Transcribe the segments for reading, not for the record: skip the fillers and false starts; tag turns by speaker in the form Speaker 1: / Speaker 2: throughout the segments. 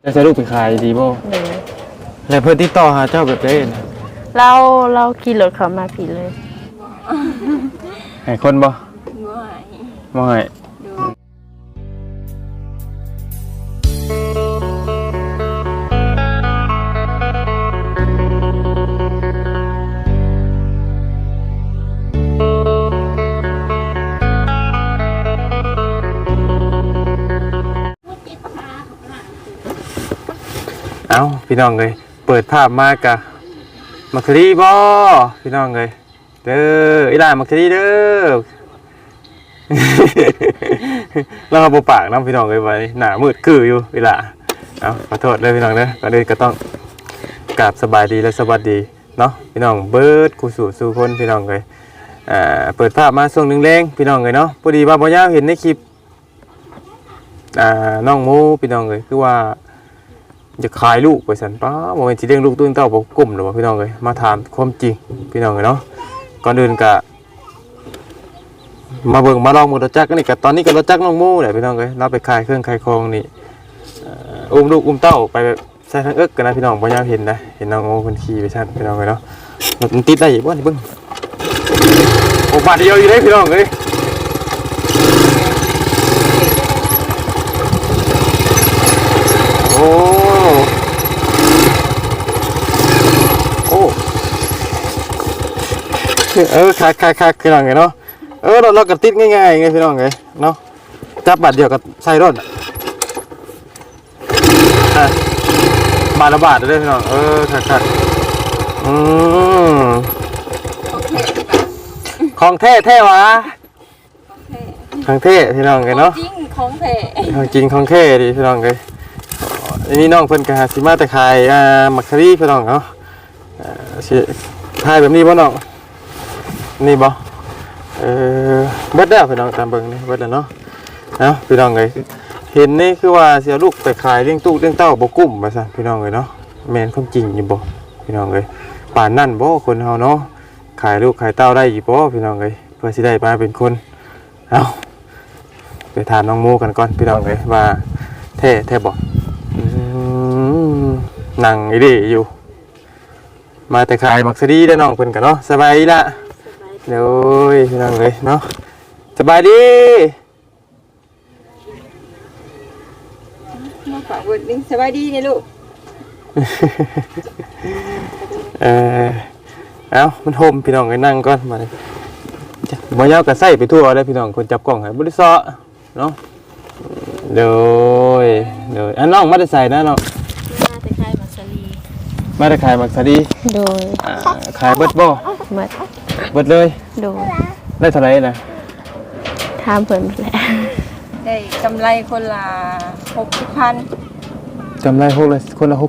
Speaker 1: จะใช้ลูกไปขายดีบ่แล้วเพื่อนติดต่อหาเจ้าแบบได้นะ
Speaker 2: เราขี่รถเขามาผิดเลย
Speaker 1: ให้คนบ่บ่ให้เอาพี่น้องเลยเปิดภาพมากะมักคดีบ่พี่น้องเลยเด้ออีหล่ามักคดีเด้อ เราเอาปากน้ำพี่น้องเลยไว้หน้ามืดคืออยู่อีหล่าเอาขอโทษเลยพี่น้องเด้อก็เลยก็ต้องกราบสบายดีและสวัสดีเนาะพี่น้องเบิร์ดกูสู่คนพี่น้องเลยเปิดภาพมาช่วงหนึ่งแรงพี่น้องเลยเนาะพอดีว่าบ่ยาวเห็นในคลิปน้องโมพี่น้องเลยคือว่าจะขายลูกไปสันป้าโมเมนต์ที่เลี้ยงลูกตุ้งเต้าบอกกลุ่มหรือว่าพี่น้องเลยมาถามความจริงพี่น้องเลยเนาะก่อนอื่นกะมาเบิ่งมาลองมือรถจักรนี่กะตอนนี้ก็รถจักรน้องโม่เลยพี่น้องเลยเราไปขายเครื่องขายของนี่อุ้มลูกอุ้มเต้าไปแบบใส่ทั้งเอิ๊กกันนะพี่น้องพอยามเห็นนะเห็นน้องโม่คนขี่ไปชันพี่น้องเลยเนาะมันติดได้อีกบ้างเบิ่งโอ้บาดเดียวอยู่เลยพี่น้องเลยโอ้คักพี่น้องไงเนาะเรากระติดง่ายๆไงพี่น้องไงเนาะจับบัตรเดียวกับใส่รถบาทละบาทเลยพี่น้องคักของแท้วะของแท้พี่น้องไงเนาะ
Speaker 3: จริงของแท้
Speaker 1: จริงของแท้ดิพี่น้องไงอันนี้น้องเพิ่นกะสิมาแต่ขายมักคารีพี่น้องเนาะขายแบบนี้บ่น้องนี่บ่เบิดแล้วพี่น้องตามเบิ่งนี่เบิดแล้วเนาะพี่น้องเอ้ยเห็นนี่คือว่าเสียลูกไปขายเลี้ยงตู้เลี้ยงเต้าบ่กุ้มว่าซั่นพี่น้องเอ้ยเนาะแม่นความจริงอยู่บ่พี่น้องเอ้ยป่านนั้นบ่คนเฮาเนาะขายลูกขายเต้าได้อยู่บ่พี่น้องเอ้ยเพื่อสิได้มาเป็นคนไปถามน้องโมกันก่อนพี่น้องเอ้ยว่าแท้บ่นั่งอีดีอยู่มาแต่ขายมักสดีได้น้องเพิ่นกันเนาะสบายดีละเดี๋ยวพี่น้องเลยเนาะสบายดี
Speaker 3: มาฝากเวิร์ดนึงสบายดีเนี่ยลูก
Speaker 1: มันโฮมพี่น้องเลยนั่งก่อนมาเลยบ่ยาวก็ใส่ไปทั่วเลยพี่น้องคนจับกล้องให้บ่ได้ซ้อเนาะเดี๋ยวน้องมาได้ใส่นะน้อง
Speaker 2: มาแต่ขายมักสลี
Speaker 1: มาได้ขายมักสดี
Speaker 2: โดย
Speaker 1: ขายเบิดบ่เบิดเลย
Speaker 2: โดย
Speaker 1: ได้เท่าไหร่นะ
Speaker 2: ถามเพิ่นแหละ
Speaker 3: ได้กำไรคนละ60,000
Speaker 1: กำไรคนละ60,000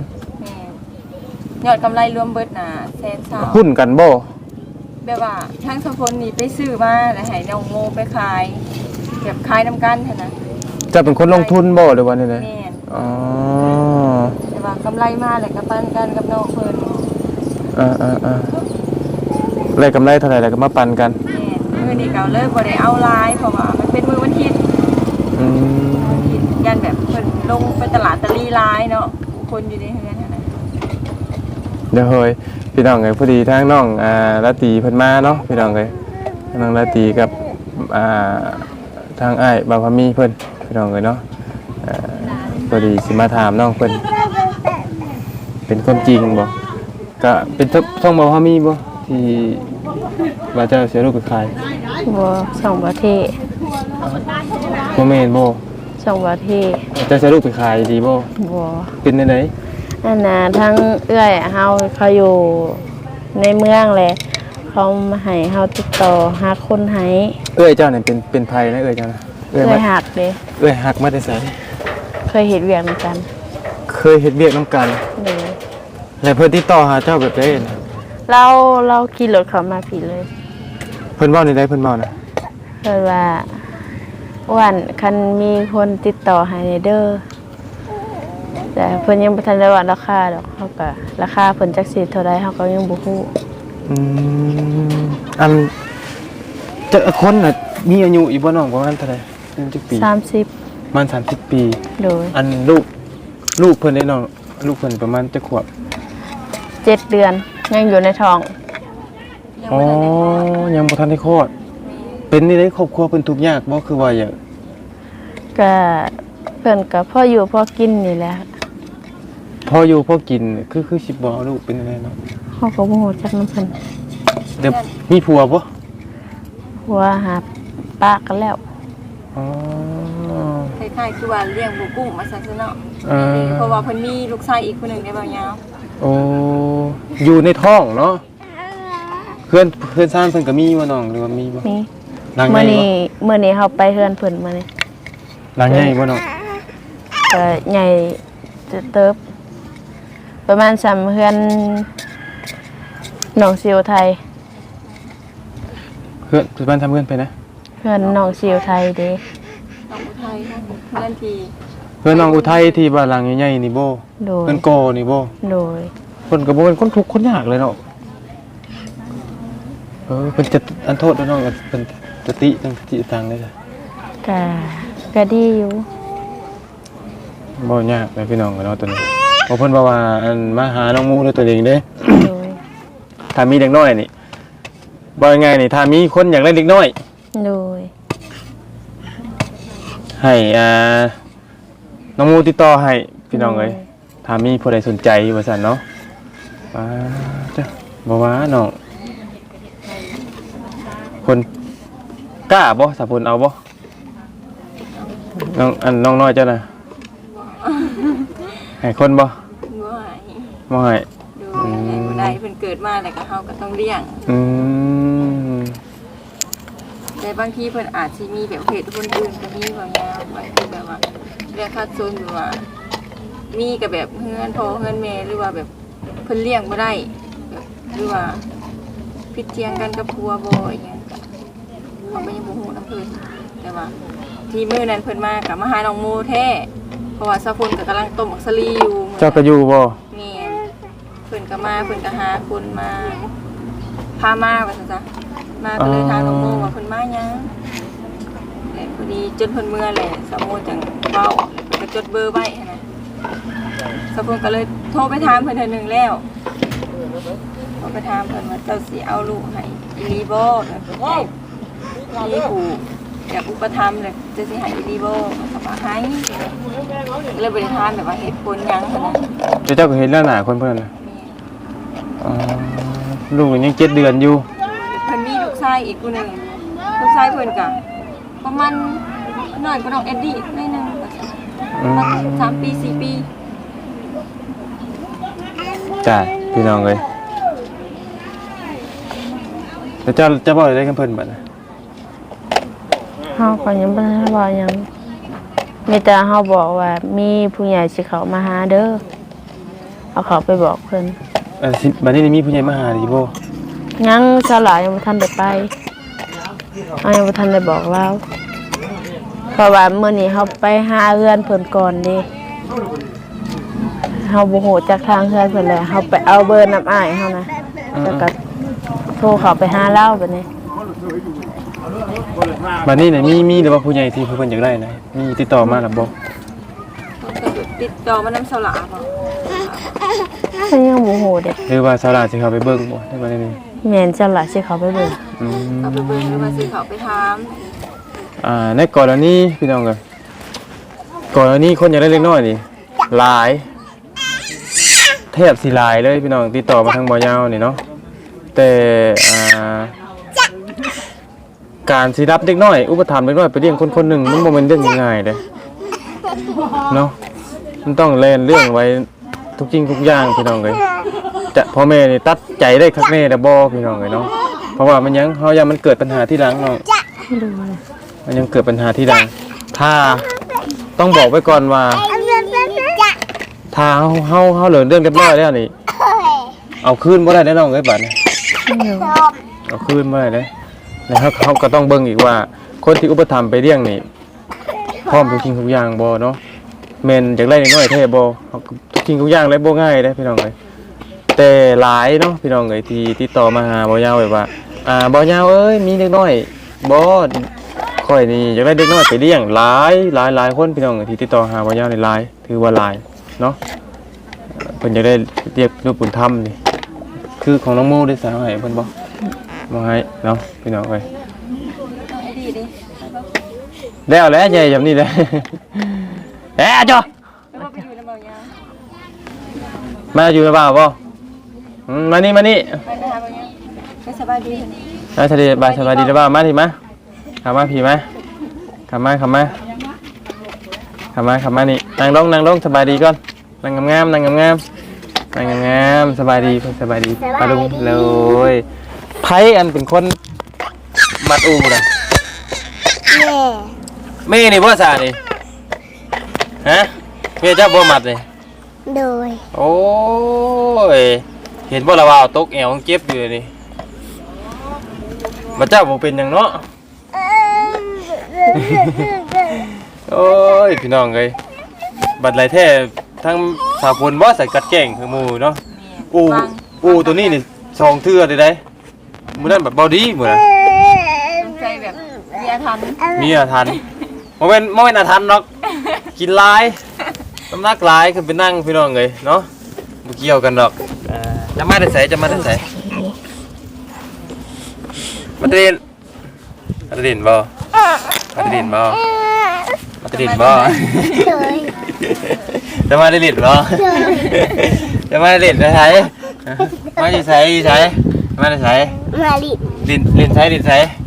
Speaker 3: ยอดกำไรรวมเบิดน่ะ120,000
Speaker 1: หุ้นกันบ่
Speaker 3: แบบว่าทั้งสองคนนี่ไปซื้อมาแล้วให้น้องโมไปขายเก็บขายน้ำกันเท่านั้น
Speaker 1: จะเป็นคนลงทุนบ่หรือว่านี่เลย
Speaker 3: แต่ว่ากำไรมาแหละกับปันกันกับน้องเพิ่น
Speaker 1: ได้กำไรเท่าไหร่แล้วก็มาปั่นกัน
Speaker 3: มื้อนี้ก็เลิกบ่ได้เอาลายเพราะว่ามันเป็นมื้อวันอาทิตย์ยันแบบเพิ่นลงไปตลาดตะลีลายเนาะคนอยู่ในเฮือนนั่นน่ะ
Speaker 1: เดี๋ยวเฮ้ยพี่น้องเอ้ยพอดีทางน้องราตรีเพิ่นมาเนาะพี่น้องเอ้ยน้องราตรีกับทางอ้ายบ่าวพามีเพิ่นพี่น้องเอ้ยเนาะพอดีสิมาถามน้องเพิ่นเป็นความจริงบ่ก็เป็นช่องบ่าวพามีบ่ที่ว่าเจ้าเสียลูกไปขาย
Speaker 2: บ่สองประเทศ
Speaker 1: บ่แม่นบ่
Speaker 2: สองประเทศ
Speaker 1: เจ้าเสียลูกไปขายดีบ่เป็นจังได๋
Speaker 2: นั่นน่ะทั้งเอื้อยเฮาเขาอยู่ในเมืองแหละเขามาให้เฮาติดต่อหาคนให้
Speaker 1: เอ้ยเจ้าเนี่ยเป็นไผนะเอ้ยเจ้านะ
Speaker 2: เอ้ยหักเด้
Speaker 1: เอ้ยหักมาแต่ไส
Speaker 2: เคยเฮ็ดเวียกนำกัน
Speaker 1: เคยเฮ็ดเวียกนำกันแล้วเพิ่นติดต่อหาเจ้าแบบใดนะ
Speaker 2: เราขี่รถเขามาผิดเลย
Speaker 1: เพิ่นเว้าในใดเพิ่นเว้านะ
Speaker 2: เพิ่นว่าวันคันมีคนติดต่อให้เด้อแต่เพิ่นยังบ่ทันได้ว่าราคาดอกเฮาก็ราคาเพิ่นจักสิเท่าใดเฮาก็ยังบ่ฮู้
Speaker 1: อันจะคนน่ะมีอายุอีกบ่น้องประมาณเท่าใดจักปี
Speaker 2: 30
Speaker 1: มัน30ปี
Speaker 2: โดย
Speaker 1: อันลูกลูกเพิ่นได้น้องลูกเพิ่นประมาณจะขวบ
Speaker 2: 7 เดือนยังอยู่ในท้อง
Speaker 3: ยัง
Speaker 1: อ๋อ
Speaker 3: บ่ทันได้คลอด
Speaker 1: ยังบ่ทันได้คลอดเป็นนี่ได้ครอบครัวเพิ่นทุกข์ยากบ่คือว่าอย่าง
Speaker 2: ก็เพิ่นก็พ่ออยู่พ่อกินนี่แหละ
Speaker 1: พออยู่พอกินคือสิบ่เอาลูกเป็นอะไรเนาะ
Speaker 2: เฮาก็บ่ฮู้จักนำเพิ่น
Speaker 1: เดี๋ยวมีผัวบ่
Speaker 2: หัวหาปากกันแล้ว
Speaker 1: อ๋อ
Speaker 3: คล้ายๆคือว่าเลี้ยงบุกุ้งมาซั่นซะเนาะ
Speaker 1: อ่า
Speaker 3: เพราะว่าเพิ่นมีลูกชายอีกคนหนึงได้บ่ยาว
Speaker 1: โอ้อยู่ในท้องเนาะเพื่อนซ่านเพิ่นก็มีบ่น้องหรือว่ามีบ่
Speaker 2: นี่
Speaker 1: หลังให
Speaker 2: มื้
Speaker 1: ญ่
Speaker 2: อ
Speaker 1: บ่
Speaker 2: นี้มื้อนี้เฮาไปเฮือนเพิ่นมื้อนี้
Speaker 1: หลังใหญ่บ่น้อง
Speaker 2: ก็ใหญ่เติบประมาณ3เฮือนหนองสิวไทย
Speaker 1: เพื่อนบ้านทำเพื่อนไปนะ
Speaker 2: เฮือนหนองสิวไทยเด้
Speaker 3: น้องอุทัยเพื่อนที่
Speaker 1: เพื่อนน้องอุทัยที่บ้านหลังใหญ่ๆนี่บ่
Speaker 2: โดย
Speaker 1: เพื่อนโกนี่บ่
Speaker 2: โดย
Speaker 1: เพิ่นก็บ่เป็นคนทุกข์คนยากเลยเนาะเพิ่นจะอันโทษด้วยน้องเพิ่นสติตั้งสติตังได้จ้ะ
Speaker 2: ก็ดีอยู่
Speaker 1: บ่ยากเลยพี่น้องกันเนาะตัวนี้เพราะเพิ่นว่าอันมาหาน้องมูด้วยตัวเองเด้
Speaker 2: โดย
Speaker 1: ถ้ามีเด็กน้อยนี่บ่ยังไงนี่ถ้ามีคนอยากได้เด็กน้อย
Speaker 2: โดย
Speaker 1: ให้น้องมูติดต่อให้พี่น้องเอ้ยถ้ามีผู้ใดสนใจว่าซั่นเนาะจ้ะบ่ว่าน้องคนกล้าบ่สาพุ่นเอาบ่น้องน้อยเจ้าน่ะให้คนบ่
Speaker 3: บ่ให้
Speaker 1: บ่ให้
Speaker 3: ดูให้บ่ได้เพิ่นเกิดมาแล้วก็เฮาก็ต้องเลี้ยง
Speaker 1: อืม
Speaker 3: แต่บางทีเพิ่นอาจสิมีแบบเพศคนอื่นก็มีบางอย่างบางทีแบบว่าเรียกคัดโซนอยู่ว่ามีกับแบบเฮือนพ่อเฮือนแม่หรือว่าแบบเพิ่นเลี้ยงบ่ได้แบบหรือว่าผิดเทียงกันกับผัวบ่อย่างเงี้ยก็เขาก็ยังบ่ฮู้นำเพิ่นแต่ว่าที่มื้อนั้นเพิ่นมาก็มาหาน้องโมแท้เพราะว่าซะพุ่นก็กำลังต้มอักสลีอยู่มื้อนั้น
Speaker 1: เจ้าก็อยู่บ่
Speaker 3: แม่นเพิ่นก็มาเพิ่นก็หาคนมาพามาว่าซั่นซะมาก็เลยถามน้องโมว่าเพิ่นมาหยังแล้วพอดีจนเพิ่นเมื่อแหละสาวโมจังเว้าเพิ่นก็จดเบอร์ไว้หั้นนะสาวเพิ่นก็เลยโทรไปถามเพิ่นเทื่อนึงแล้วโทรไปถามเพิ่นว่าเจ้าสิเอาลูกให้อีหลีบ่มีผู้อยากอุปถัมภ์เลยจะสิให้อีหลีบ่ก็ว่าให้เลยบ่ได้ถามแบบว่าเหตุผลหยังหั้นนะ
Speaker 1: เจ้าก็เห็นแล้วหน้าคนเพิ่นน่ะอ๋อลูกยัง7 เดือนอยู่
Speaker 3: เพิ่นมีลูกชายอีกคนหนึ่งลูกชายเพิ่นก็ประมาณน้อยกว่าน้องเอ็ดดี้หน่อยหนึงประมาณ3 ปี 4 ปี
Speaker 1: จ้าพี่น้องเอ้ยแล้วเจ้าจะบอกได้กับเพิ่นบัดน่ะ
Speaker 2: เฮาก็ยังบ่ได้ว่าหยังมีแต่เฮาบอกว่ามีผู้ใหญ่สิเข้ามาหาเด้อเอาเขาไปบอกเพิ่น
Speaker 1: บัดนี้มีผู้ใหญ่มาหาดิบ่
Speaker 2: ยังสลายยังบ่ทันได้ไปเฮายังบ่ทันได้บอกเราเพราะว่ามื้อนี้เฮาไปหาเฮือนเพิ่นก่อนเด้เฮาบ่ฮู้จักทางเฮือนเพิ่นเลยเฮาไปเอาเบอร์น้ำอ้ายเฮานะแล้วก็โทรเข้าไปหาเราบัดนี้
Speaker 1: บัดนี้น่ะมีหรือว่าผู้ใหญ่ที่เพิ่นอยากได้นะมีติดต่อมาหรือบ่
Speaker 3: เพิ่นก็ติดต่อมานำสลาบ่
Speaker 2: เพิ่นยังบ่ฮู้เด้
Speaker 1: หรือว่าสาราสิเข้าไปเบิ่งบ่ได้บ่ได้นี่
Speaker 2: แม่นจังล่ะสิเข้าไปเบิ่ง
Speaker 1: อืม
Speaker 3: เอาไปเบิ่งหรือว่าสิเขาไปถาม
Speaker 1: ในกรณีพี่น้องเอ้ยกรณีคนอยากได้เล็กน้อยนี่หลายแทบสิหลายเลยพี่น้องติดต่อมาทางบ่ยาวนี่เนาะแต่การสิรับเด็กน้อยอุปถัมภ์เด็กน้อยไปเลี้ยงคนคนหนึ่งมันบ่แม่นเรื่องง่ายๆเด้เนาะมันต้องแลนเรื่องไว้ทุกจริงทุกอย่างพี่น้องเอ้ยจะพ่อแม่นี่ตัดใจได้คักแน่แต่บ่พี่น้องเอ้ยเนาะเพราะว่ามันยังเฮายังมันเกิดปัญหาที่หลังเนาะมันยังเกิดปัญหาที่หลังถ้าต้องบอกไว้ก่อนว่าถ้าเฮาเหลือเรื่องเรียบร้อยแล้วนี่เอาคืนบ่ได้แน่น้องเอ้ยบัดนี้เอาคืนบ่ได้เด้แล้วเขาก็ต้องเบิ่งอีกว่าคนที่อุปถัมภ์ไปเลี้ยงนี่พร้อมทุกสิ่งทุกอย่างบ่เนาะแม่นอยากได้น้อยแท้บ่ทุกสิ่งทุกอย่างเลยบ่ง่ายเด้พี่น้องเอ้ยแต่หลายเนาะพี่น้องเอ้ยที่ติดต่อมาหาบ่ยาวแบบว่าบ่ยาวเอ้ยมีเด็กน้อยบ่ค่อยนี่อยากได้เด็กน้อยไปเลี้ยงหลายคนพี่น้องเอ้ยที่ติดต่อหาบ่ยาวนี่หลายถือว่าหลายเนาะเพิ่นจะได้เรียกลูกบุญธรรมนี่คือของน้องโมได้สาวให้เพิ่นบ่บ่ให้เนาะพี่น้องเอ้ย
Speaker 3: เอาไอ้ดีดิไปบ่
Speaker 1: แล้วแหละใหญ่แบบนี้เลยเอ๊ะจ้ะ
Speaker 3: ไปบ่ไปอยู่ในเบายา
Speaker 1: มาอยู่หรือเปล่าบ่มานี่
Speaker 3: ไปหาเบายาไปสบายดีเพิ่น
Speaker 1: สบายดีหรือเปล่ามาทีมาขับมาพี่มาขับมานี่นั่งลงสบายดีก่อนนั่งงามสบายดีปลาลุงเลยไผอันเป็นคนมัดอูน่ะแม่นี่บ่ซานี่ฮะแม่เจ้าบ่มัดนี่
Speaker 4: โดย
Speaker 1: โอ้ยเห็นบ่ละว่าตกแอวเจ็บอยู่นี่บ่เจ้าบ่เป็นหยังเนาะโอ้ยพี่น้องเอ้ยบัดไหลแท้ทั้งสาวพลบ่ใส่กัดแก่งคือหมู่เนาะอูตัวนี้นี่2เทื่อได้มื้อนั้นแบบบ่ดีมื้อนั้น
Speaker 3: ต้องใจแบบมีอาถรรพ์
Speaker 1: มีอาถรรพ์บ่แม่นอาถรรพ์หรอกกินหลายน้ำหนักหลายคือไปนั่งพี่น้องเอ้ยเนาะบ่เกี่ยวกันดอกจะมาได้ไสมาตะเรียนบ่มาตะเรียนบ่
Speaker 4: โดย
Speaker 1: จะมาได้เรียนบ่จะมาได้เรียนได้ไสมาสิไสมาได้ไส
Speaker 4: มาลิ
Speaker 1: เรียนไส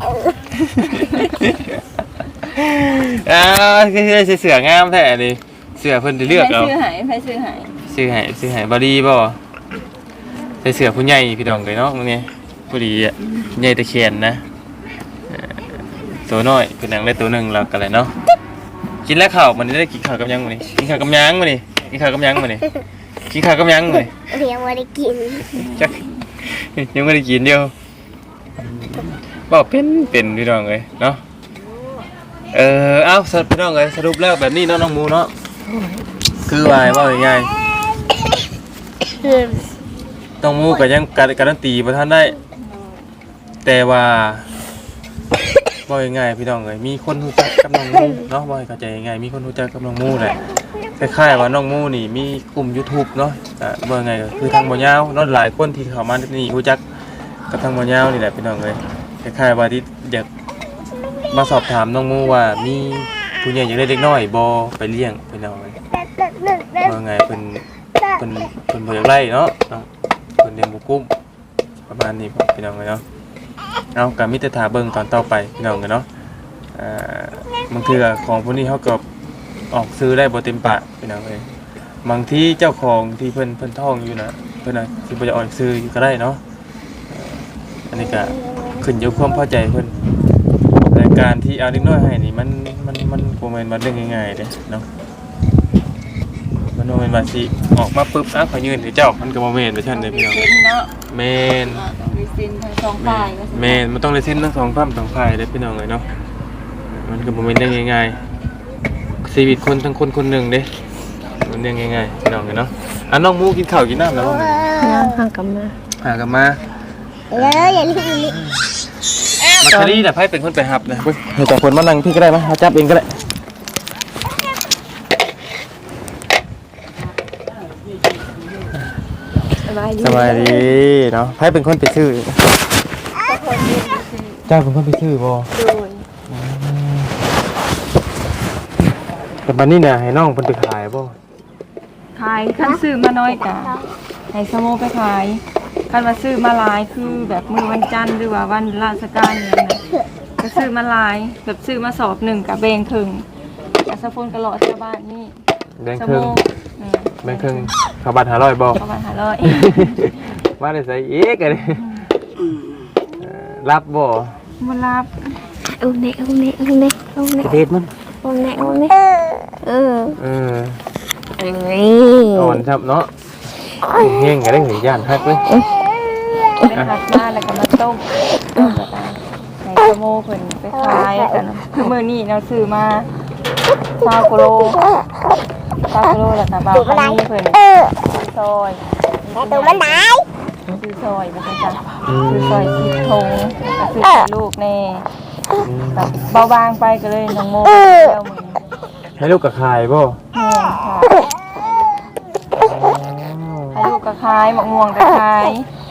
Speaker 1: คือเสืองามแท้นี่เสือเพิ่นได้เลือกเอา
Speaker 3: ไปซื้อหาย
Speaker 1: ซื้อให้บ่ดีบ่ใส่เสือผู้ใหญ่พี่น้องเอ้ยเนาะมื้อนี้ผู้ดีอ่ะใหญ่ตะเคียนนะตัวน้อยคือหนังได้ตัวหนึงแล้วก็เลยเนาะกินแล้วข้าวมันได้กินข้าวกับยังมื้อนี้กินข้าวกับยังมื้อนี้จักยังไม่ได้กินเดียวบอกเป็นพี่น้องเลยเนาะเอ้าพี่น้องเลยสรุปแล้วแบบนี้เนาะน้องหมูเนาะคือว่าง่ายๆน้องหมูก็ยังการันตีบ่ทันได้แต่ว่าบ่ง่ายๆพี่น้องเลยมีคนรู้จักกับน้องหมูเนาะบ่ให้เข้าใจง่ายมีคนรู้จักกับน้องหมูแหละคล้ายๆว่าน้องหมูนี่มีกลุ่ม YouTube เนาะบ่ไงก็คือทางบ่ยาวเนาะหลายคนที่เข้ามานี่รู้จักกับทางบ่ยาวนี่แหละพี่น้องเลยคล้ายๆว่าที่อยากมาสอบถามน้องหมูว่ามีผู้ใหญ่อยากได้เด็กน้อยบ่ไปเลี้ยงพี่น้องเลยบ่ไงเพิ่นบ่อยากไล่เนาะเพิ่นเลี้ยงบ่กุ้มประมาณนี้พี่น้องเลยเนาะเอาก็มีแต่ท่าเบิ่งตอนต่อไปพี่น้องกันเนาะบางทีของพวกนี้เขาก็ออกซื้อได้บ่เต็มปากพี่น้องเอ้ยบางทีเจ้าของที่เพิ่นท่องอยู่นะเพิ่นน่ะสิบ่จะออกซื้อก็ได้เนาะอันนี้ก็ขึ้นอยู่ความพอใจเพิ่นในการที่เอาเด็กน้อยให้นี่มันบ่แม่นว่าเรื่องง่ายๆเด้เนาะมันบ่แม่นว่าสิออกมาปึ๊บขอยืนให้เจ้ามันก็บ่แม่นว่าซั่นเด้พี่น้อง
Speaker 3: เซ็นเนาะ
Speaker 1: แม่น
Speaker 3: ต้องมีเซ็นทั้งสองฝ่ายว่าซั่น
Speaker 1: แม่นมันต้องได้สิ้นทั้งสองฝ่ายเด้พี่น้องเอ้ยเนาะมันก็บ่แม่นได้ง่ายๆชีวิตคนทั้งคนหนึงเด้มันเรื่องง่ายๆพี่น้องเอ้ยเนาะน้องหมูกินข้าวกินน้ำแล้วบ่
Speaker 2: ย่างข้างกับมา
Speaker 1: หากันมา
Speaker 4: อย่าลืมลิ
Speaker 1: มักคารีน่ะไผเป็นคนไปรับนะเฮ้ยให้จับคนมานั่งพี่ก็ได้มั้ยจับเองก็ได้สบายดีเนาะไผเป็นคนไปซื้อเจ้าเป็นคนไปซื้อบ่แต่บัดนี้น่ะให้น้องเพิ่นไปขายบ่
Speaker 3: ขายคันซื้อมาน้อยกะให้สโมไปขายคันว่าซื้อมาหลายคือแบบมื้อวันจันทร์หรือว่าวันราชการอย่างนั้นก็ซื้อมาหลายแบบซื้อมาสอบหนึ่งกับแบ่งครึ่งกับสะพนกระหล่อชาวบ้านนี่
Speaker 1: แบ่งครึ่งข้าวบัตร500บ่
Speaker 3: ประมาณ500
Speaker 1: ว่าได้ใส่อีกอันนี้รับบ่
Speaker 3: บ่รับ
Speaker 2: เอาเน่
Speaker 1: กระเด็ดมัน
Speaker 2: เออ
Speaker 1: อ่อนครับเนาะเฮงก็ได้หย่านฮักเลย
Speaker 3: ไปหักมาแล้วก็มาต้มแล้วก็ให้สโมเพิ่นไปขายกันคือมื้อนี้เราซื้อมา20กิโลแล้วก็บ่าวคันนี้เพิ่นซอย
Speaker 4: ตัวมันไหน
Speaker 3: ซื้อซอยบ่ซั่นจ้ะซื้อซอย10ถุงก็ซื้อให้ลูกแน่แบบเบาบางไปก็เลยน้องโมแล้วมื้อนี้
Speaker 1: ให้ลูกกับขายบ่
Speaker 3: แม่ค่ะก็ขายมะม่วงก็ขาย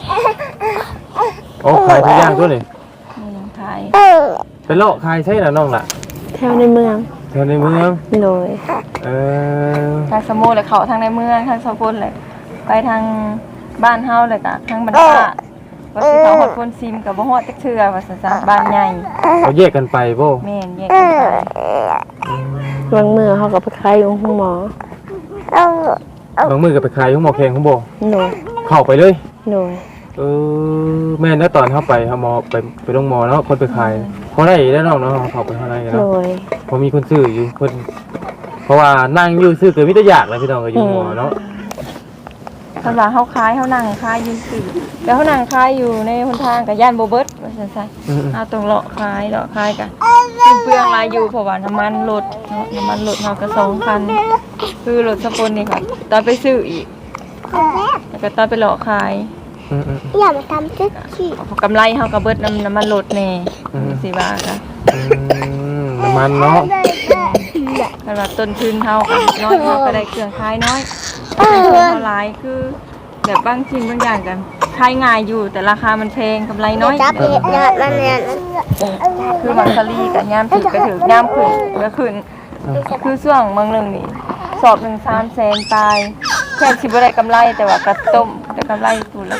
Speaker 1: โอ้ขายทุกอย่างตัวนี่
Speaker 3: ขาย
Speaker 1: ไปเลาะขายใช่น่ะน้องล่ะ
Speaker 2: แถวในเมือง
Speaker 1: แถวในเมือง
Speaker 2: โดย
Speaker 1: เออ
Speaker 3: ทางสมุทรเลยเขาทางในเมืองทางสกุลเลยไปทางบ้านเฮาเลยกะทางบรรดาว่าสิเขาฮอดคนซิมกับบ่ฮอดจักเทื่อว่าซั่นซะบ้านใหญ่
Speaker 1: เขาแยกกันไปบ่
Speaker 3: แม่นแยกกันไป
Speaker 2: บางมือเขาก็ไปขายอยู่ห้องหมอบ
Speaker 1: างมื้อก็ไปขายของหมอแขงของบ่
Speaker 2: โดย
Speaker 1: เข้าไปเลย
Speaker 2: โดย
Speaker 1: เออแม่นแล้วตอนเข้าไปเฮาหมอไปโรงหมอเนาะคนไปขายเขาได้แล้วน้องเนาะเข้าไปข้างใน
Speaker 2: โด
Speaker 1: เนาะ
Speaker 2: ย
Speaker 1: พอมีคนซื้ออยู่คนเพราะว่านั่งอยู่ซื้อเกิดมิตรอยากเลยพี่น้องก็อยู่หมอเนาะ
Speaker 3: สำหรับเฮาขายเฮานั่งขายอยู่ซื่อแล้วเฮานั่งขายอยู่ในหนทางก็ย่านบ่เบิดว่าซั่นซะ เอาตรงเลาะขายกันเปลืองรายอยู่เพราะว่าน้ำมันรถเนาะน้ำมันรถเราก็2,000คือรถสปนนี่ค่ะตอนไปซื้ออีกแล้วก็ตอนไปเลาะขาย
Speaker 4: อย่ามาทำจิ๊กขี้
Speaker 3: กำไรเฮาก็เบิดน้ำมันรถแน่สิว่าค่ะ
Speaker 1: น้ำมันเนาะ
Speaker 3: สำหรับต้นทุนเฮาก็น้อยเฮาก็ได้เครื่องขายน้อยเฮาหลายคือแบบบางสิ่งบางอย่างกันขายง่ายอยู่แต่ราคามันแพงกำไรน้อย
Speaker 4: จับเห็ดยอดมันเนี่ย
Speaker 3: คือมังสลีกับยามถึกก็ถึกยามขึ้นก็ขึ้นคือช่วงเมืองหนึงนี่สอบ1 300,000ตายแค่สิบ่ได้กำไรแต่ว่ากระต้มได้กำไรสูตรละ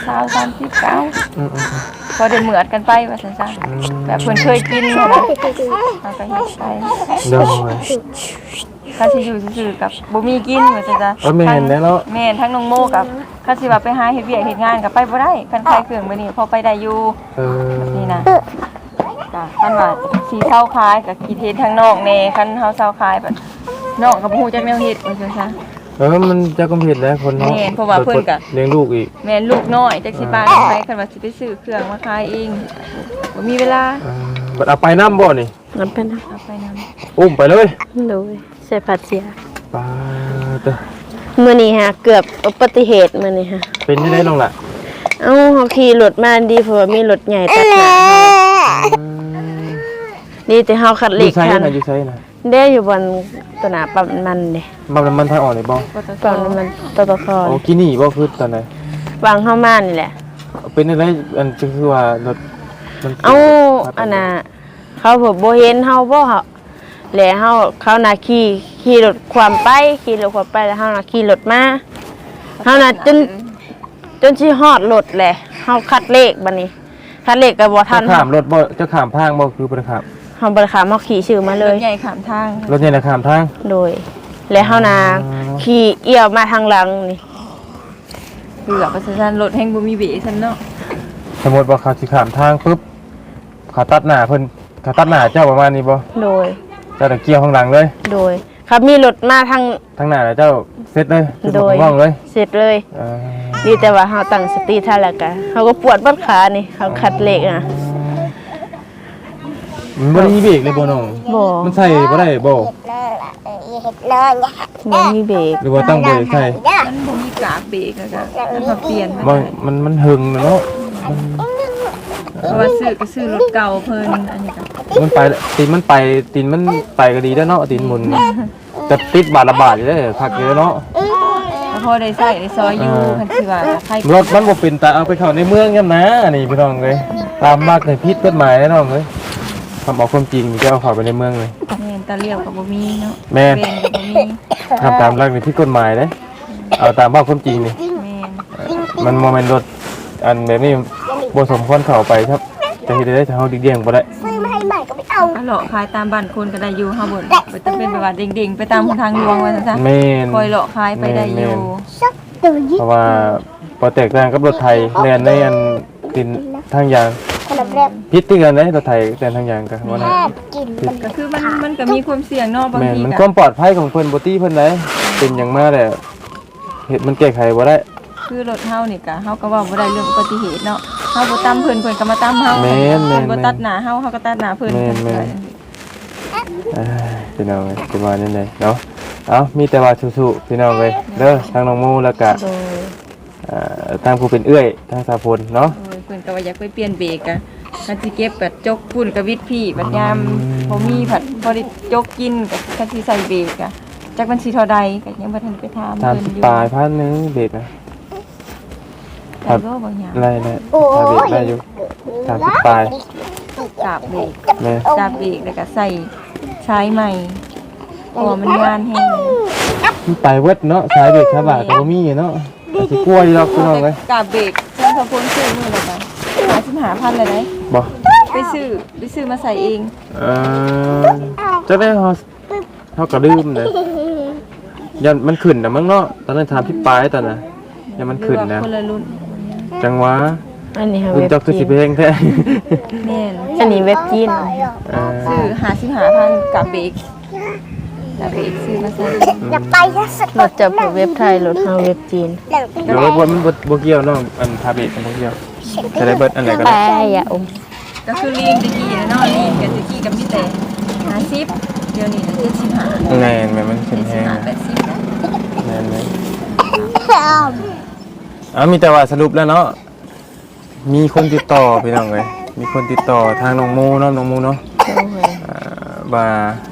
Speaker 3: 29พอได้เหมือดกันไปว่าซั่นซะแบบเพิ่นเคยกินนะเราก็เฮ็ดไป
Speaker 1: เดิมเลย
Speaker 3: ข้าสิอยู่ซื่อๆกับบ่มีกินว่าซั่นซะ
Speaker 1: แม่นแล้วเนาะ
Speaker 3: แม่นทั้งน้องโมกับข้าสิว่าไปหาเฮ็ดเวียกเฮ็ดงานก็ไปบ่ได้คันขายเครื่องมื้อนี้พอไปได้อยู่
Speaker 1: เออ
Speaker 3: นี่นะจ้ะคันว่าสีเศร้าคล้ายกับกีเทนทางนอกแน่คันเฮาเศร้าคล้ายแบบนอกกับฮู้จักแนวเฮ็ดว่าซั่นซะ
Speaker 1: มันจะกำเพ็ญแล้วคนเนาะ
Speaker 3: แม่นเพราะว่าเพิ่นก็
Speaker 1: เลี้ยงลูกอีก
Speaker 3: แม่นลูกน้อยจักสิบาทไปคันว่าสิไปซื้อเครื่องมาขายเองบ่มีเวลา
Speaker 1: บัดเอาไปน้ำบ่นี่
Speaker 2: งั้นเป็นนะ
Speaker 3: เอาไปนำ
Speaker 1: อุ้มไปเลย
Speaker 2: โดยใส่ผัดเสีย
Speaker 1: ปาเตอ
Speaker 2: มื้อนี้ฮะเกือบอุบัติเหตุมื้อนี้ฮะ
Speaker 1: เป็นยังไงน้องล่ะ
Speaker 2: เอ้าเฮาขี่รถมาดีเพราะว่ามีรถใหญ่ตัดหน้าเฮาดีแต่เฮาคัด
Speaker 1: อ
Speaker 2: เล
Speaker 1: ยู่
Speaker 2: ข
Speaker 1: ใช้
Speaker 2: ทัน
Speaker 1: นะอยู่ใช้นะ
Speaker 2: เด้อยู่บนตัวหน้าปั๊มน้ำมันเด้
Speaker 1: มันทางออกเลยบ่
Speaker 3: ปตท
Speaker 2: ปั๊มน้ำมันตตค
Speaker 1: โอ้กินนี่บ่คือตอนไหน
Speaker 2: วางเข้ามานี่แหละ
Speaker 1: เป็นอะไรอันคือว่ารถมัน
Speaker 2: เอ้าอันน่ะเขาบ่เห็นเฮาบ่เฮาแล้วเขาน่ะขี่รถความไปแล้วเฮาน่ะขี่รถมาเฮาน่ะจนสิฮอดรถแหละเฮาคัดเลขบัดนี้คัดเลขก็บ่ทัน
Speaker 1: จะข้ามรถบ่จะข้ามทางบ่คือบ่ได้ข้าม
Speaker 2: เฮาบ่ได้ขามเฮาขี่ชื่อมาเล
Speaker 3: ร
Speaker 2: ย
Speaker 3: ถใหญ่ข้ามทาง
Speaker 1: รถใหญ่น่ะข้ามทาง
Speaker 2: โดย แล้วเฮาน่ะขี่เอี่ยวมาทางหลังนี่
Speaker 3: เกือบว่าซั่นซะรถแฮงบ่มีเบรกซั่นเนาะ
Speaker 1: สมมุติว่าเขาสิข้ามทางปุ๊บเขาตัดหน้าเพิ่นเขาตัดหน้าเจ้าประมาณนี้บ่
Speaker 2: โดย
Speaker 1: เจ้าตะเกียวข้างหลังเลย
Speaker 2: โดยครับมีรถมาทาง
Speaker 1: ทางหน้าน่ะเจ้าเซ็ตเลยจุด
Speaker 2: โดย
Speaker 1: ว่องเลย
Speaker 2: เสร็จเลย
Speaker 1: เออ
Speaker 2: ดีแต่ว่าเขาตั้งสติทันแล้วกันเขาก็ปวดบัดขานี่เขาคัดเหล็กอ่ะ
Speaker 1: มันบ่ได้มีเบรกเลยบ่น้อง
Speaker 2: บ่
Speaker 1: มันใส่บ่ได้บ่
Speaker 4: เห็ดเลยเนี่ย
Speaker 2: บ่มีเบรก
Speaker 1: หรือว่าต้องเบรกใส่
Speaker 3: มันบ่มีกากเบรกแล้วก็มันมาเปลี่ยน
Speaker 1: มันหึงน่ะเนาะ
Speaker 3: เพราะว่าซื้อรถเก่าเพิ่นอันนี้ก็
Speaker 1: มันไปตีนมันไปก็ดีแล้วเนาะตีนหมุนจะติดบาทละบาทอยู่เด้อคักอยู่แล้วเนาะ
Speaker 3: แล้วพอได้ใช้ได้ซอยอยู่คันสิว่าใคร
Speaker 1: รถมันบ่เป็นตาเอาไปเข้าในเมืองยามนะนี่พี่น้องเอ้ยตามมักในผิดกฎหมายแน่น้องเอ้ยทำเอาความจริงจะเอาเข้าไปในเมืองเลย
Speaker 3: แม่นตาเลี้ยวก็บ่มีเนาะ
Speaker 1: แม่น
Speaker 3: เวนก็บ่มี
Speaker 1: ทำตามรักในผิดกฎหมายเด้เอาตามว่าความจริงนี่
Speaker 3: แม่น
Speaker 1: มันบ่แม่นรถอันแบบนี้บ่สมควรเข้าไปครับจะเฮ็ดได้ถ้าเฮาดิเดียงบ่ได้
Speaker 4: ซื้อมาให้ใหม่ก็ไม่เอา
Speaker 3: ก็เลาะขายตามบ้านคนก็ได้อยู่เฮาบ่บ่ต้องเป็นแบบว่าเด้งๆไปตามทางหลวงว่าซั่นซะ
Speaker 1: แม่น
Speaker 3: คอยเลาะขายไปได้อยู่
Speaker 4: สักตัวยิ่
Speaker 1: เพราะว่าบ่แตกต่างกับรถไทยแล่นในอันตินทางยาง
Speaker 4: ขนมแรก
Speaker 1: ผิดที่กันเด้รถไทยแล่นทางยางก็บ่ได้
Speaker 4: แอบกินมัน
Speaker 3: ก็คือมันก็มีความเสี่ยงเนาะบาง
Speaker 1: แม่น
Speaker 3: ที
Speaker 1: มันค
Speaker 3: ก็
Speaker 1: วามปลอดภัยของเพิ่นบ่ตีเพิ่นได้เป็นหยังมาแหละเฮ็ดมันแก้ไขบ่ได้
Speaker 3: คือรถเฮานี่ก็เฮาก็เว้าบ่ได้เรื่องอุบัติเหตุเนาะเฮาบ่ตามเพิ่นก็มาตามเฮา
Speaker 1: แม่น
Speaker 3: เพิ่นบ่ตัดหน้าเฮาก็ตัดหน้าเพิ่น
Speaker 1: แม่น พี่น้องเอ้ยประมาณนี้เลยเนาะเอามีแต่ว่าสู้ๆพี่น้องเอ้ยเด้อทางน้องมูแล้วก็
Speaker 2: โดย
Speaker 1: ทางผู้เป็นเอื้อยทางสาพลเนาะ
Speaker 3: โอ้ยเพิ่นก็ว่าอยากไปเปลี่ยนเบรกอะคันสิเก็บแบบจกปุ่นกับวิทย์พี่บัดยามบ่มีผัดพอได้จกกินก็คันสิใส่เบรกอะจักมันสิเท่าใดก็ยังบ่ทันไปถาม
Speaker 1: ตาม
Speaker 3: เพิ่นอยู่
Speaker 1: ปลายพันหนึงเบ็ดนะ
Speaker 3: ได้บ่บางอย่าง
Speaker 1: ไล่ทาเบรกได้อยู่ทาปลาย
Speaker 3: กาบเบรก
Speaker 1: แม่
Speaker 3: กาบเบรกแล้วก็ใส่ใช้ใหม่พอมันงานแห้ง
Speaker 1: มันไปเวิดเนาะสายเบรกชาบาก็บ่มีเนาะสิกลัวอยู่ดอกพี่น้องเอ้ย
Speaker 3: กาบเบรกเจ้าพระพลซื้อมื้อละกัน55,000เลยได้
Speaker 1: บ่
Speaker 3: ไปซื้อมาใส่เอง
Speaker 1: จะได้เฮาก็ลืมเลยยันมันขึ้นน่ะมั้งเนาะตอนนั้นถามพี่ปายตอนน่ะยันมันขึ้นนะ
Speaker 3: คนละรุ่น
Speaker 1: จังหวะ
Speaker 2: อันนี้ค่ะ
Speaker 1: คุณ
Speaker 2: เว็บ
Speaker 1: เจ้าคือ
Speaker 2: จี
Speaker 1: สิ
Speaker 2: น
Speaker 1: เพลงแท้
Speaker 3: แม่น
Speaker 2: อันนี้เว็บจีน
Speaker 3: ซื้อ55,000กาบเบรกกาบเบรกซื้อมาใส่
Speaker 4: อย่าไปนะสัก
Speaker 2: รถจะเว็บไทยรถเฮาเว็บจีน
Speaker 1: เดี๋ยวว่ามันบ่เกี่ยวน้องอันทาเบรกมันบ่เกี่ยวจะได้เบิดอันไหนก็
Speaker 2: แป
Speaker 1: ได้
Speaker 2: อย่าอม
Speaker 3: ก็คือลีนตะกี้นะเนาะลีนกับตะกี้กับพี่แต่50เดี๋ยวนี้75
Speaker 1: แม่นมันขึ้นแฮง
Speaker 3: 80นะ
Speaker 1: แม่นเลยมีแต่ว่าสรุปแล้วเนาะมีคนติดต่อพี่น้องเอ้ยมีคนติดต่อทางน้องโมเนาะน้องโมเนาะ
Speaker 2: โอ้ย
Speaker 1: ว่า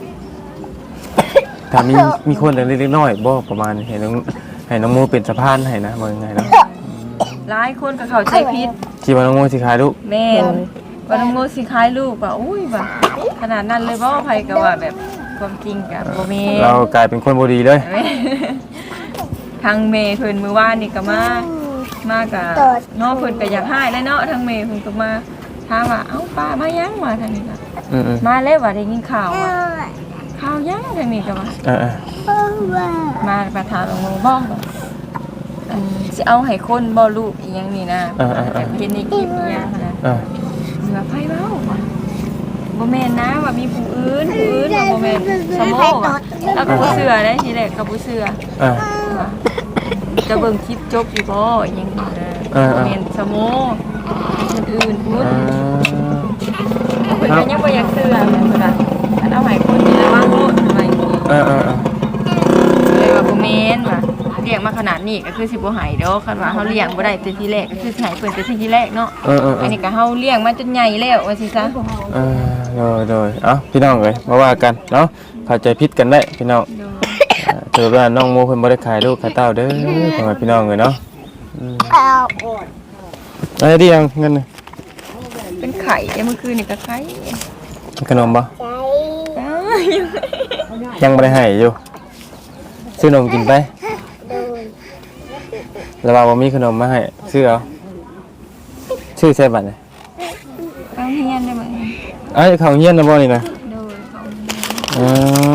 Speaker 1: ถ้ามีคนเล็กๆน้อยๆบ่ประมาณนี้ให้น้องโมเป็นสะพานให้นะว่ายังไงเนาะ
Speaker 3: หลายคนก็เข้าใจผิด
Speaker 1: คิดว่าน้องโมสิขายลูก
Speaker 3: แม่นว่าน้องโมสิคล้ายลูกว่าอุ้ยว่าขนาดนั้นเลยบ่ไผก็ว่าแบบความจริงก็บ่แม่น
Speaker 1: เรากลายเป็นคนบ่ดีเลย
Speaker 3: ทางเมย์เพิ่นมื้อวานนี่ก็มาก็เนาะเพิ่นก็อยากให้แล้วเนาะทางเมย์เพิ่นก็มาถามว่าเอ้าป้ามายังมาทางนี้ก็
Speaker 1: อืม
Speaker 3: มาแล้วว่าได้ยินข่าวว่าข่าวยังทางนี้ก็ว่า มาประธานองค์บ้องสิเอาให้คนบ่ลูกอีหยังนี่นะแบบเห็นในคลิปอีหยังนะ เหนือไพ่เบ้าบ่แม่นนะว่ามีผู้อื่นว่าบ่แม่นสมโอว่ะแล้วก็บ่เชื่อได้ทีแรกก็บ่เชื่อว่าจะเบิ่งคลิปจบอยู่บ่อยังนี้นะบ่แม่นสมโอคนอื่นพูดเพิ่นก็ยังบ่อยากเชื่อแม่นเพิ่นว่าอันเอาให้คนนี่ระวังโลดอะไรอย่างงี้เลยว่าบ่แม่นว่าเลี้ยงมาขนาดนี้ก็คือสิบ่ให้ดอกคันว่าเฮาเลี้ยงบ่ได้แต่ทีแรกก็คือสิให้เพิ่นแต่ทีแรกเนาะอันนี้ก็เฮาเลี้ยงมาจนใหญ่แล้วว่าสิซะ
Speaker 1: โดยพี่น้องเอ้ยมาว่ากันเนาะเข้าใจผิดกันได้พี่น้องเจอว่าน้องโมเพิ่นบ่ได้ขายลูกขายเต้าเด้อพ่อแม่พี่น้องเอ้ยเนาะอะไรดียังเงิน
Speaker 3: เป็นไข่เมื่อคืนนี่ก็ไข่
Speaker 1: ขนมบ่
Speaker 4: ใจ
Speaker 1: ยังบ่ได้ให้อยู่ซื้อนมกินไปแล้วว่าบ่มีขนมมาให้ซื้อเอาซื้อใส่บัตรนี่
Speaker 3: เอาเฮียนได้ไหม
Speaker 1: เอ้ยเขาเฮียนนะบ่นี่นะ
Speaker 3: โดยเขา
Speaker 1: อ๋อ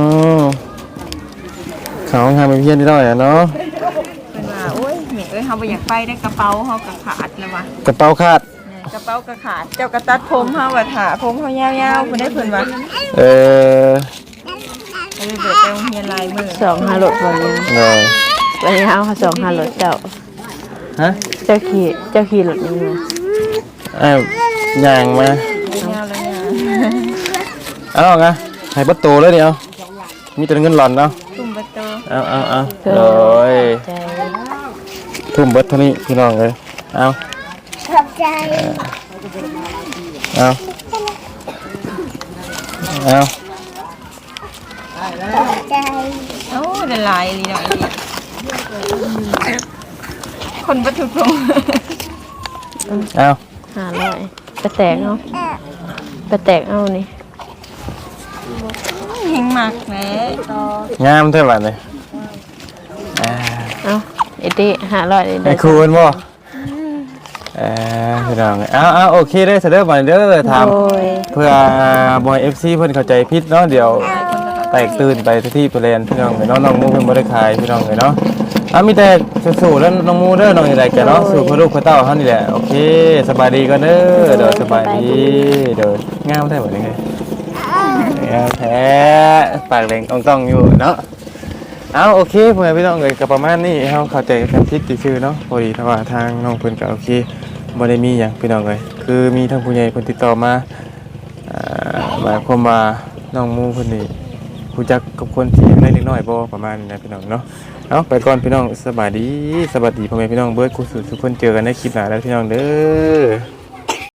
Speaker 1: เขาทำเป็นเฮียนได้ด้อยอ่ะเนาะ
Speaker 3: เป็นว่าโอ้ยแม่เอ้ยเขาไปอยากไปได้กระเป๋าเขากระขาดแล้ววะ
Speaker 1: กระเป๋าขาด
Speaker 3: กระเป๋ากระขาดเจ้ากระตัดผมเขาว่าถาผมเขายาวๆคนได้เพิ่นว่า
Speaker 1: เออ
Speaker 3: เลยเบิดไปโรงเรียนลายมือ
Speaker 2: สองห้ารถบ่เนี่ย
Speaker 1: เลย
Speaker 2: วันนี้เอาสองห้ารถเจ้า
Speaker 1: ฮะ
Speaker 2: เจ้าขี่รถนี่มา
Speaker 1: ย่างมา
Speaker 3: ยาวเลยเนี่ย
Speaker 1: เอาไงให้ประตูเลยเดียวมีแต่เงินหล่อนเนาะ
Speaker 3: ตุ่มประตู
Speaker 1: เอาเลย
Speaker 2: ใจ
Speaker 1: ทุ่มเบิดเท่านี้พี่น้องเลยเอา
Speaker 4: ขอบใจ
Speaker 1: เอา
Speaker 4: ขอบใจ
Speaker 3: โอ้ละลายเลยเนาะคนบัตุพง
Speaker 1: เอา
Speaker 2: 500ไปแตกเอาไปแตกเอานี่
Speaker 3: เฮงมากแหม
Speaker 1: งามเท่าไหร่เลย
Speaker 2: เอาไอ้ติ500นี่
Speaker 1: ไอ้คูณบ่พี่น้องเอาโอเคเด้อเสด็จมาเด้อถาม
Speaker 2: โอ้ย
Speaker 1: เพื่อบอย FC เพิ่นเข้าใจผิดเนาะเดี๋ยวแตกตื่นไปที่เปลี่ยนพี่น้องเนาะน้องมูเพิ่นบ่ได้ขายพี่น้องเนาะมีแต่สู้ๆแล้วน้องมูเด้อน้องนี่แหละแกเนาะสู้เพื่อลูกเพื่อเต้าเฮานี่แหละโอเคสบายดีก่อนเด้อเด้อสบายดีเด้องามแท้บ่นี่ไงงามแท้ปากแดงต้องอยู่เนาะเอาโอเคพ่อแม่พี่น้องเอ้ยก็ประมาณนี้เฮาเข้าใจกันผิดซื่อๆเนาะพอดีถ้าว่าทางน้องเพิ่นก็โอเคบ่ได้มีหยังพี่น้องเอ้ยคือมีทางผู้ใหญ่เพิ่นติดต่อมาหมายความว่าน้องมูเพิ่นนี่รู้จักกับคนที่อายุเล็กน้อยบ่ประมาณนี้นะพี่น้องเนาะเอาไปก่อนพี่น้องสวัสดีพ่อแม่พี่น้องเบิดกูสุดทุกคนเจอกันในคลิปหน้าแล้วพี่น้องเด้อ